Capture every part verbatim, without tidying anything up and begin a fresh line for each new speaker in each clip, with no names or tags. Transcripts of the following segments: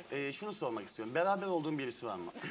Ee, şunu sormak istiyorum. Beraber olduğun birisi var mı?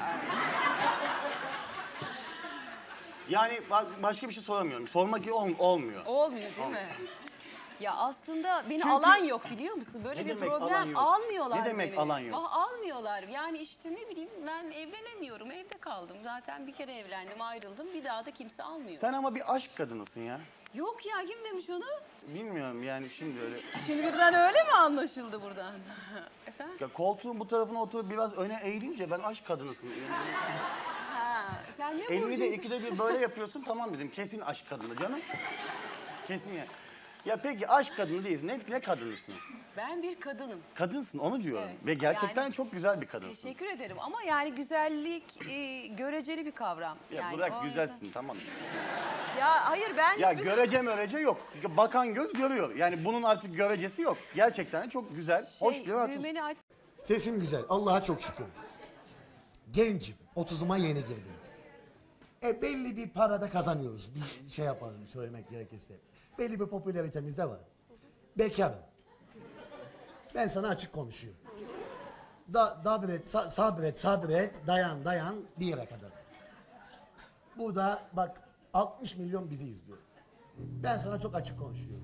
Yani bak, başka bir şey soramıyorum. Sormak iyi ol- olmuyor.
Olmuyor değil mi? Ya aslında beni
Çünkü-
alan yok biliyor musun? Böyle
Ne
bir
demek alan
problem
yok?
almıyorlar
Ne demek
beni.
alan yok?
Ah, almıyorlar. Yani işte ne bileyim ben evlenemiyorum. Evde kaldım. Zaten bir kere evlendim, ayrıldım. Bir daha da kimse almıyor.
Sen ama bir aşk kadınısın ya.
Yok ya kim demiş onu?
Bilmiyorum yani şimdi öyle.
Şimdi birden öyle mi anlaşıldı buradan? Efendim?
Ya koltuğun bu tarafına oturup biraz öne eğilince ben aşk kadınısın.
Ha, sen ne
Elini de
burcuydun?
ikide bir böyle yapıyorsun, tamam dedim. Kesin aşk kadını canım. Kesin ya. Ya peki aşk kadını değilsin. Ne, ne kadınısın?
Ben bir kadınım.
Kadınsın, onu diyorum.
Evet.
Ve gerçekten
Yani-
çok güzel bir kadınsın.
Teşekkür ederim ama yani güzellik e, göreceli bir kavram.
Ya
yani
bırak
o
güzelsin,
yüzden-
tamam.
Ya hayır ben
Ya
hiçbir-
görece mörece yok. Bakan göz görüyor. Yani bunun artık görecesi yok. Gerçekten de çok güzel, hoş
şey,
bir artist.
düğmeni aç.
Sesim güzel. Allah'a çok şükür. Gencim. otuzuma yeni girdim. E belli bir parada kazanıyoruz. Bir şey yapalım söylemek gerekirse. Belli bir popülaritemiz de var. Bekarım. Ben sana açık konuşuyorum. Da, sabret, sa- sabret, sabret, dayan, dayan bir yere kadar. Burada bak altmış milyon bizi izliyor. Ben sana çok açık konuşuyorum.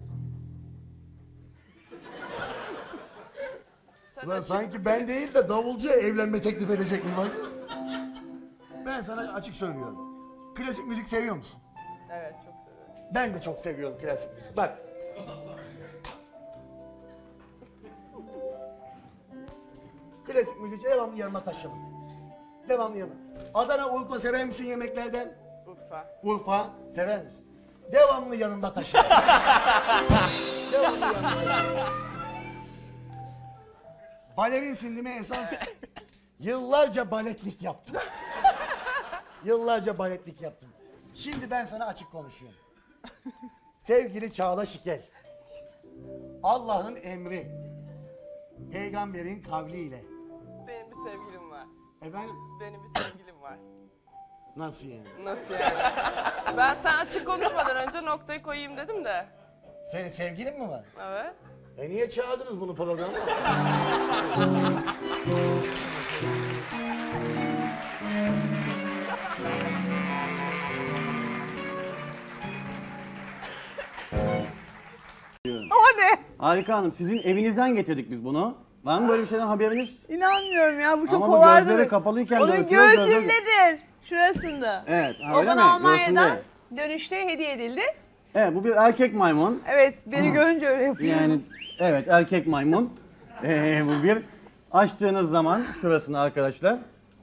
Ulan sanki ben değil de davulcu evlenme teklif edecek mi baksana. Ben sana açık söylüyorum. Klasik müzik seviyor musun?
Evet, çok seviyorum.
Ben de çok seviyorum klasik müzik. Bak. Klasik müzik devamlı yanına taşıma. Devamlı yanına. Adana, Urfa sever misin yemeklerden?
Urfa.
Urfa sever misin? Devamlı yanında taşı. Devamlı yanında taşı. Balerinsin değil mi esas? Yıllarca baletlik yaptım. Yıllarca baletlik yaptım. Şimdi ben sana açık konuşuyorum. Sevgili Çağla Şikel. Allah'ın emri. Peygamberin kavliyle.
Benim bir sevgilim var.
Efendim?
Benim bir sevgilim var.
Nasıl yani?
Nasıl yani? Ben sen açık konuşmadan önce noktayı koyayım dedim de.
Senin sevgilin mi var?
Evet.
E niye çağırdınız bunu programa?
O ne?
Harika Hanım, sizin evinizden getirdik biz bunu. Var mı böyle bir şeyden haberiniz?
İnanmıyorum ya, bu çok
Ama bu
kovardı.
gözleri kapalıyken de
Onun
ötüyor, gözleri-
göğsündedir. Şurasında.
Evet, ha,
O
öyle
bana
mi?
Almanya'dan
Göğsünde.
dönüşte hediye edildi.
Evet, bu bir erkek maymun.
Evet, beni görünce öyle yapıyor.
Yani evet, erkek maymun. Ee, bu bir. Açtığınız zaman şurasını arkadaşlar.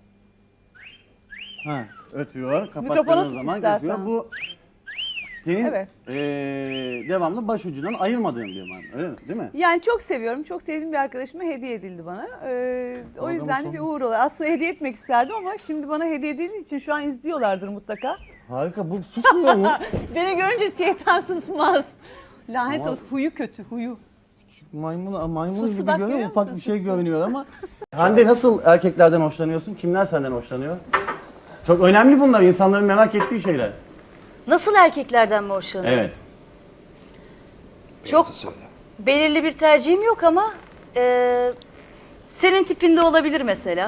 Ha, ötüyor.
Mikrofonu
Kapattığınız
tut
zaman
istersen.
ötüyor. Bu senin
Evet.
ee, devamlı başucundan ayırmadığın bir maymun. Öyle mi? Değil mi?
Yani çok seviyorum, çok sevdiğim bir arkadaşıma hediye edildi bana. Ee, o
Programın
yüzden de
sonu.
bir uğur olur. Aslında hediye etmek isterdim ama şimdi bana hediye edildiği için şu an izliyorlardır mutlaka.
Harika. Bu susmuyor mu?
Beni görünce şeytan susmaz. Lanet
Ama-
olsun, huyu kötü, huyu.
Maymun, maymun
Suslu
gibi
bak,
görünüyor.
görüyor
Ufak
musun?
bir şey görünüyor ama. Hande, nasıl erkeklerden hoşlanıyorsun? Kimler senden hoşlanıyor? Çok önemli bunlar. İnsanların merak ettiği şeyler.
Nasıl erkeklerden mi hoşlanıyor?
Evet.
Çok belirli bir tercihim yok ama e, senin tipinde olabilir mesela.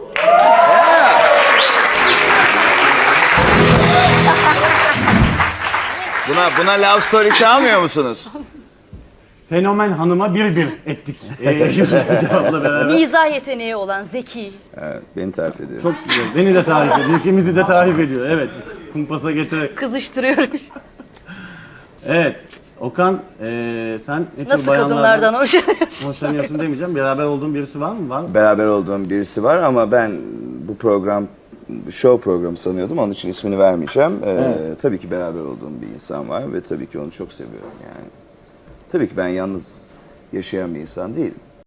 Buna buna love story çalmıyor musunuz?
Fenomen hanıma bir bir ettik. Ee, cevapla beraber.
Mizah yeteneği olan, zeki.
Evet, beni tarif ediyor.
Çok güzel. Beni de tarif ediyor. İkimizi de tarif ediyor. Evet. Kumpasa getir.
Kızıştırıyorum.
Evet. Okan, ee, sen ne tür
Nasıl
bayanlardan
kadınlardan hoşlanıyorsun?
hoşlanıyorsun demeyeceğim. Beraber olduğun birisi var mı? Var mı?
Beraber olduğum birisi var ama ben bu program show programı sanıyordum. Onun için ismini vermeyeceğim. Ee,
Evet.
Tabii ki beraber olduğum bir insan var ve tabii ki onu çok seviyorum yani. Tabii ki ben yalnız yaşayan bir insan değilim.